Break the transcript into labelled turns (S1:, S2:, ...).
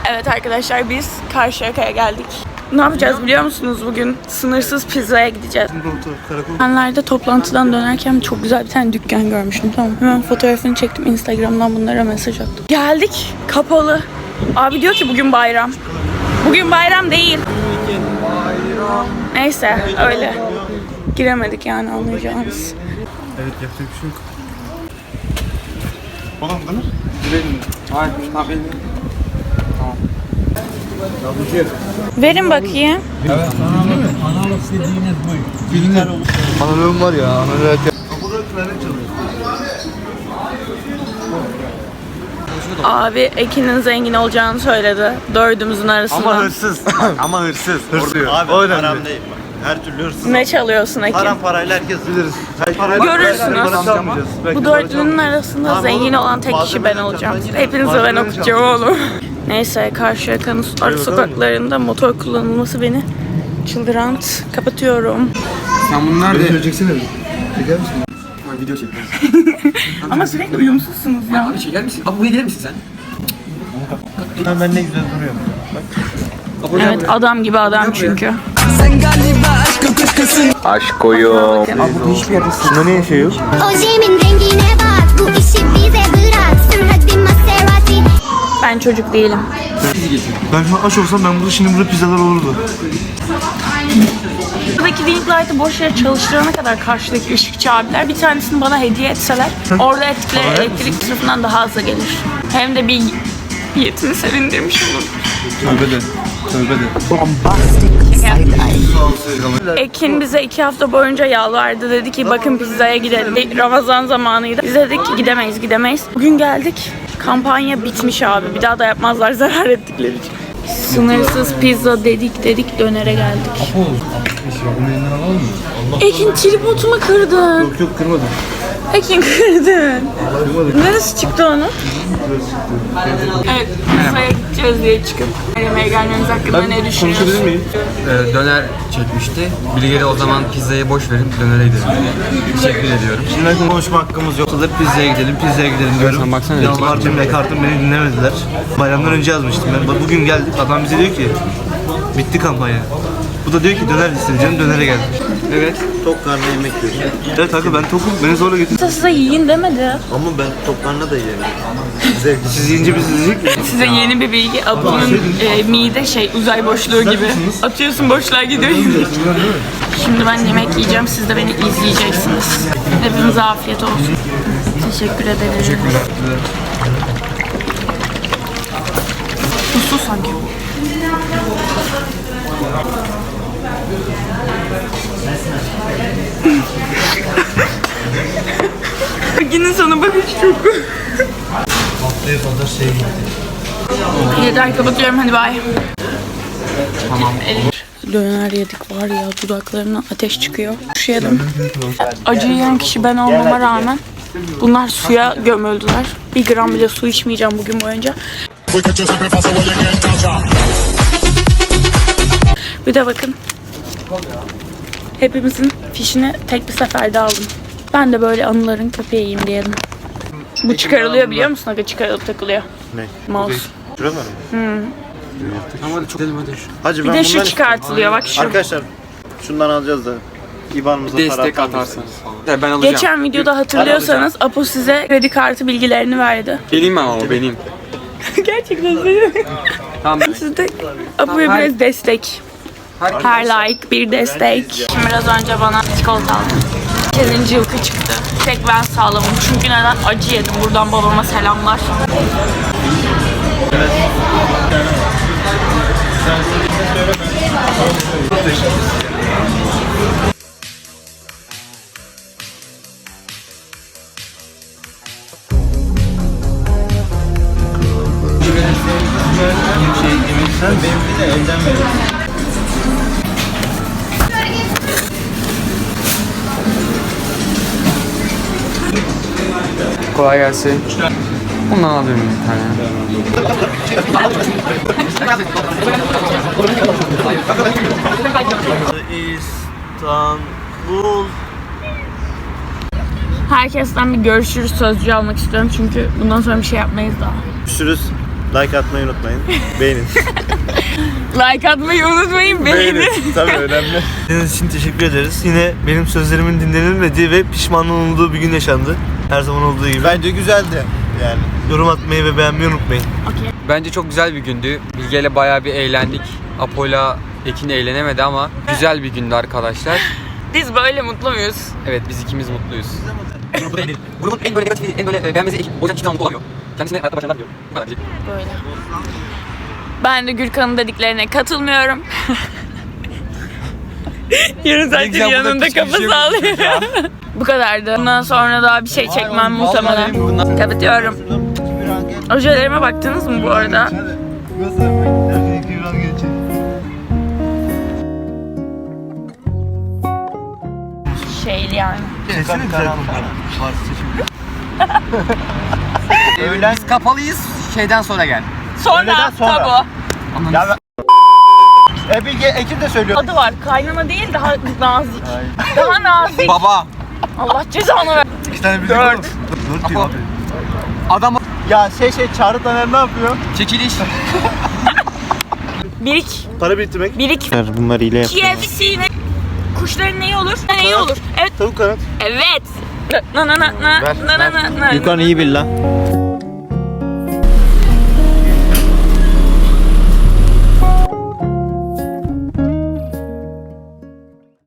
S1: Evet arkadaşlar biz Karşıyaka'ya geldik. Ne yapacağız biliyor musunuz bugün? Sınırsız pizzaya gideceğiz. Geçenlerde toplantıdan dönerken çok güzel bir tane dükkan görmüştüm, tamam. Hemen fotoğrafını çektim, Instagram'dan bunlara mesaj attım. Geldik, kapalı. Abi diyor ki bugün bayram. Bugün bayram değil. Neyse öyle. Giremedik yani, anlayacağınız.
S2: Evet, yapacak bir şey yok. Oğlum değil mi? Girelim. Hayır, tamam. Tamam.
S1: Verin bakayım.
S2: Evet, analog dediğiniz bu. Filmler olur. Analogum var ya, analog. Kapıda klarnet çalıyor.
S1: Abi Ekin'in zengin olacağını söyledi. Dördümüzün arasında.
S2: Ama hırsız. Ama hırsız.
S3: Abi
S2: o
S3: haram değil bak. Her türlü hırsız.
S1: Ne çalıyorsun Ekin?
S3: Haram parayla herkes biliriz.
S1: Görürsünüz. Bu dördünün arasında zengin olan tek kişi ben olacağım. Hepinize ben okuyacağım oğlum. Neyse, Karşıyaka'nın ara sokaklarında motor kullanılması beni çıldıran. Kapatıyorum.
S2: Sen bunu nerede? Video çeksene mi? Çeker misin? Video çekmez.
S1: Ama sürekli uyumsuzsunuz ya.
S4: Abi çeker misin? Abi buraya gelir misin sen?
S3: Ben ne güzel duruyorum.
S1: Evet, adam gibi adam çünkü.
S2: Aşk oyun. Abi bu hiçbir yerde Şunda ne şey yok?
S5: Ojemin rengine bak, bu işi bize bırak. Sür hadi Maserati.
S1: Ben çocuk değilim.
S2: Ben şu an aç olsam ben burada şimdi pizzalar olurdu.
S1: Buradaki ring light'ı boş yere çalıştırana kadar karşıdaki ışıkçı abiler bir tanesini bana hediye etseler orada ettikleri elektrik sınıfından daha azı gelir. Hem de bir niyetini sevindirmiş olur.
S2: Tövbe de. Tövbe de.
S1: Ekin bize 2 hafta boyunca yalvardı. Dedi ki bakın pizzaya gidelim. Ramazan zamanıydı. Biz dedik ki gidemeyiz. Bugün geldik. Kampanya bitmiş abi. Bir daha da yapmazlar zarar ettikleri için. Sınırsız pizza dedik dönere geldik. Ekin tripodumu kırdın.
S2: Yok kırmadım.
S1: Ekin kırdın. Neresi çıktı onun? Evet, pizzaya gideceğiz diye çıkıp yemeğe gelmemiz hakkında ne düşünüyorsun?
S2: Konuşabilir miyim?
S4: Döner çekmişti. Bilge'de o zaman pizzayı boş verip dönere gidelim. Teşekkür ediyorum.
S3: Şimdi konuşma hakkımız yok. Pizzaya gidelim diyorum.
S4: Sen baksana.
S3: Yalvardım yakardım, beni dinlemediler. Bayramdan önce yazmıştım ben. Bugün geldik, adam bize diyor ki bitti kampanya. Bu da diyor ki döner isteyeceğim, dönere geldik.
S4: Evet.
S3: Tok karnına yemek yiyorsun.
S2: Evet kanka ben tokum. Beni zorla getir.
S1: Size yiyin demedi.
S3: Ama ben tok karnına da yerim.
S2: Siz yiyince biz yiyecek miyiz?
S1: Size yeni bir bilgi. Apo'nun mide uzay boşluğu gibi. Atıyorsun, boşluğa gidiyor. Şimdi ben yemek yiyeceğim. Siz de beni izleyeceksiniz. Hepinize afiyet olsun. Teşekkür ederim.
S4: Teşekkürler.
S1: Tuzlu sanki. Yine sana bakış çok.
S3: Haftaya kadar şey gitti.
S1: Yeter, kapatıyorum, hadi bay.
S4: Tamam.
S1: Döner yedik var ya, dudaklarına ateş çıkıyor. Şu yedim. Acı yiyen kişi ben olmama rağmen bunlar suya gömüldüler. 1 gram bile su içmeyeceğim bugün boyunca. Bir de bakın. Hepimizin fişini tek bir seferde aldım. Ben de böyle anıların köpeğiyim diyelim. Bu çıkarılıyor biliyor musun? Aga çıkarılıp takılıyor.
S3: Ne?
S1: Mouse.
S3: Şuralar mı?
S4: Tamam hadi çok gidelim hadi.
S3: Hacı
S1: Bir
S3: ben
S1: de şu
S3: bundan
S1: çıkartılıyor bak şu.
S3: Arkadaşlar şundan alacağız da İBAN'ımıza para
S4: Destek
S3: atar mısınız?
S4: atarsanız falan. Ben alacağım.
S1: Geçen videoda hatırlıyorsanız Apo size kredi kartı bilgilerini verdi.
S4: Benim ama o benim.
S1: Gerçekten söylüyorum.
S4: Tamam.
S1: Siz de Apo'ya biraz destek. Her like bir destek. Şimdi biraz önce bana çikolata aldı. 8. yılkı çıktı. Tek ben sağlamım. Çünkü neden? Acı yedim. Buradan babama selamlar.
S3: Sen benimki de elden verirsin.
S4: Kolay gelsin. Bundan alıyorum bir tane.
S3: İstanbul.
S1: Herkesten bir görüşürüz sözcüğü almak istiyorum çünkü bundan sonra bir şey yapmayız daha.
S3: Görüşürüz.
S2: Like atmayı unutmayın. Beğenin.
S1: Like atmayı unutmayın. Beğenin.
S2: Tabii önemli.
S3: Dinlediğiniz için teşekkür ederiz. Yine benim sözlerimin dinlenilmediği ve pişman olduğu bir gün yaşandı. Her zaman olduğu gibi.
S2: Bence güzeldi yani.
S3: Yorum atmayı ve beğenmeyi unutmayın.
S4: Bence çok güzel bir gündü. Bilge'yle bayağı bir eğlendik. Apo'yla Ekin eğlenemedi ama güzel bir gündü arkadaşlar.
S1: Biz böyle mutlu muyuz?
S4: Evet, biz ikimiz mutluyuz. Grubun en böyle negatifi, en böyle beğenmesi Ekin. O yüzden hiçbir zaman mutlu olamıyor. Kendisine hayatta başarılar diliyorum. Bu kadar diyecek.
S1: Böyle. Ben de Gürkan'ın dediklerine katılmıyorum. Yarın zaten
S4: güzel, burada
S1: yanında
S4: küçük bir
S1: kafa
S4: şey
S1: sağlıyor. Bu kadardı. Bundan sonra daha bir şey çekmem muhtemelen. Kapatıyorum. Ojelerime baktınız mı bu arada? Şeyli yani.
S3: Sesini güzel
S4: Biz kapalıyız. Şeyden sonra gel.
S1: Sonra tabu.
S2: Ya Bilge Ekin de söylüyor.
S1: Adı var. Kaynana değil, daha nazik. Daha nazik.
S4: Baba.
S1: Allah cezanı ver.
S3: 2 tane bildik
S1: 4.
S3: oğlum. 4 diyor abi.
S4: Adam
S2: Ya Çağrı Taner ne yapıyor?
S4: çekiliş.
S1: Birik.
S2: Para biriktirmek.
S1: Birik.
S2: Bunlar ile
S1: KFC'ne kuşların neyi olur? Neyi olur? Evet.
S2: Tavuk kanat.
S1: Evet. Na na na na na na na.
S2: Yukan iyi bil lan.